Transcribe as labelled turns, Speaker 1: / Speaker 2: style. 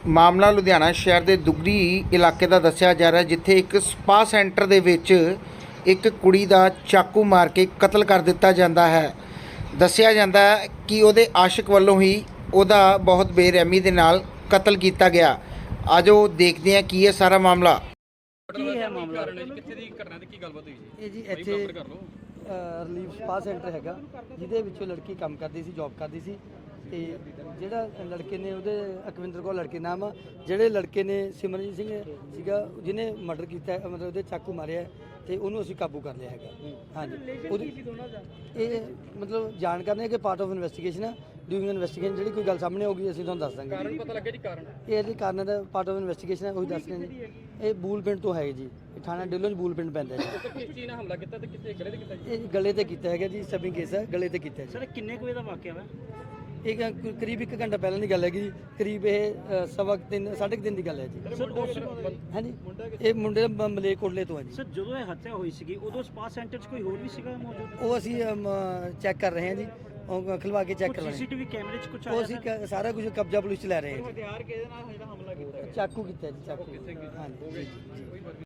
Speaker 1: ਮਾਮਲਾ ਲੁਧਿਆਣਾ ਸ਼ਹਿਰ ਦੇ ਦੁਗਰੀ ਇਲਾਕੇ ਦਾ ਦੱਸਿਆ ਜਾ ਰਿਹਾ, ਜਿੱਥੇ ਇੱਕ ਸਪਾ ਸੈਂਟਰ ਦੇ ਵਿੱਚ ਇੱਕ ਕੁੜੀ ਦਾ ਚਾਕੂ ਮਾਰ ਕੇ ਕਤਲ ਕਰ ਦਿੱਤਾ ਜਾਂਦਾ ਹੈ। ਦੱਸਿਆ ਜਾਂਦਾ ਹੈ ਕਿ ਉਹਦੇ ਆਸ਼ਿਕ ਵੱਲੋਂ ਹੀ ਉਹਦਾ ਬਹੁਤ ਬੇਰਹਿਮੀ ਦੇ ਨਾਲ ਕਤਲ ਕੀਤਾ ਗਿਆ। ਆਜੋ ਦੇਖਦੇ ਹਾਂ ਕੀ ਹੈ ਸਾਰਾ ਮਾਮਲਾ।
Speaker 2: ਕੀ ਹੈ ਮਾਮਲਾ?
Speaker 3: ਕਿੱਥੇ ਦੀ ਘਟਨਾ ਤੇ ਕੀ ਗੱਲਬਾਤ ਹੋਈ ਜੀ?
Speaker 2: ਇਹ ਜੀ ਇੱਥੇ ਰਿਲੀਫ ਸਪਾ ਸੈਂਟਰ ਹੈਗਾ, ਜਿਹਦੇ ਵਿੱਚੋਂ ਲੜਕੀ ਕੰਮ ਕਰਦੀ ਸੀ, ਜੌਬ ਕਰਦੀ ਸੀ। ਤੇ ਜਿਹੜਾ ਲੜਕੇ ਨੇ, ਉਹਦੇ ਅਕਵਿੰਦਰ ਕੌਰ ਲੜਕੇ ਨਾਮ ਆ, ਜਿਹੜੇ ਲੜਕੇ ਨੇ ਸਿਮਰਨਜੀਤ ਸਿੰਘ ਸੀਗਾ, ਜਿਹਨੇ ਮਰਡਰ ਕੀਤਾ, ਮਤਲਬ ਉਹਦੇ ਚਾਕੂ ਮਾਰਿਆ, ਤੇ ਉਹਨੂੰ ਅਸੀਂ ਕਾਬੂ ਕਰ ਲਿਆ ਹੈਗਾ। ਹਾਂਜੀ, ਉਹਦੀ ਇਹ ਮਤਲਬ ਜਾਣਕਾਰੀ ਹੈ ਕਿ ਪਾਰਟ ਆਫ ਇਨਵੈਸਟੀਗੇਸ਼ਨ ਆ। ਡੂਇੰਗ ਇਨਵੈਸਟੀਗੇਸ਼ਨ ਜਿਹੜੀ ਕੋਈ ਗੱਲ ਸਾਹਮਣੇ ਆਊਗੀ ਅਸੀਂ ਤੁਹਾਨੂੰ ਦੱਸ ਦਾਂਗੇ।
Speaker 3: ਕਾਰਨ ਪਤਾ ਲੱਗਿਆ ਜੀ? ਕਾਰਨ
Speaker 2: ਇਹ ਜੀ ਕਾਰਨ ਦਾ ਪਾਰਟ ਆਫ ਇਨਵੈਸਟੀਗੇਸ਼ਨ ਹੈ, ਉਹੀ ਦੱਸ ਰਹੇ ਜੀ। ਇਹ ਬੂਲ ਪਿੰਡ ਤੋਂ ਹੈ ਜੀ, ਇਹ ਥਾਣਾ ਢਿੱਲੋਂ 'ਚ ਬੂਲ ਪਿੰਡ ਪੈਂਦਾ ਜੀ।
Speaker 3: ਕਿਸ ਚੀਜ਼ ਨਾਲ ਹਮਲਾ ਕੀਤਾ ਤੇ ਕਿੱਥੇ ਗਲੇ ਤੇ ਕੀਤਾ ਜੀ?
Speaker 2: ਇਹ ਗਲੇ ਤੇ ਕੀਤਾ ਹੈਗਾ ਜੀ, ਸਬਿੰਗ ਕੇਸ ਹੈ, ਗਲੇ ਤੇ ਕੀਤਾ ਜੀ।
Speaker 4: ਸਰ ਕਿੰਨੇ ਕੁ ਵਜੇ ਦਾ ਵਾਕਿਆ ਵਾ?
Speaker 2: ਇਹ ਕਰੀਬ 1 ਘੰਟਾ ਪਹਿਲਾਂ ਦੀ ਗੱਲ ਹੈਗੀ ਜੀ। ਕਰੀਬ ਇਹ 3:30 ਦੀ ਗੱਲ ਹੈ ਜੀ।
Speaker 4: ਸਰ
Speaker 2: ਹਾਂਜੀ, ਇਹ ਮੁੰਡੇ ਦਾ ਮਲੇਰਕੋਟਲੇ ਤੋਂ ਹੈ ਜੀ।
Speaker 4: ਸਰ ਜਦੋਂ ਇਹ ਹੱਤਿਆ ਹੋਈ ਸੀਗੀ ਉਦੋਂ ਸਪਾ ਸੈਂਟਰ 'ਚ ਕੋਈ ਹੋਰ ਵੀ ਸੀਗਾ ਮੌਜੂਦ?
Speaker 2: ਉਹ ਅਸੀਂ ਚੈੱਕ ਕਰ ਰਹੇ ਹਾਂ ਜੀ, ਉਹ ਖਲਵਾ ਕੇ ਚੈੱਕ ਕਰ ਰਹੇ
Speaker 4: ਸੀਸੀਟੀਵੀ ਕੈਮਰੇ 'ਚ ਕੁਝ
Speaker 2: ਹਾਂ। ਉਹ
Speaker 4: ਆਇਆ?
Speaker 2: ਅਸੀਂ ਸਾਰਾ ਕੁਝ ਕਬਜ਼ਾ ਪੁਲਿਸ 'ਚ ਲੈ ਰਹੇ ਹਾਂ।
Speaker 3: ਹਥਿਆਰ ਕਿਹਦੇ ਨਾਲ ਜਿਹੜਾ ਹਮਲਾ ਕੀਤਾ?
Speaker 2: ਚਾਕੂ ਕੀਤਾ ਜੀ, ਚਾਕੂ। ਹਾਂਜੀ।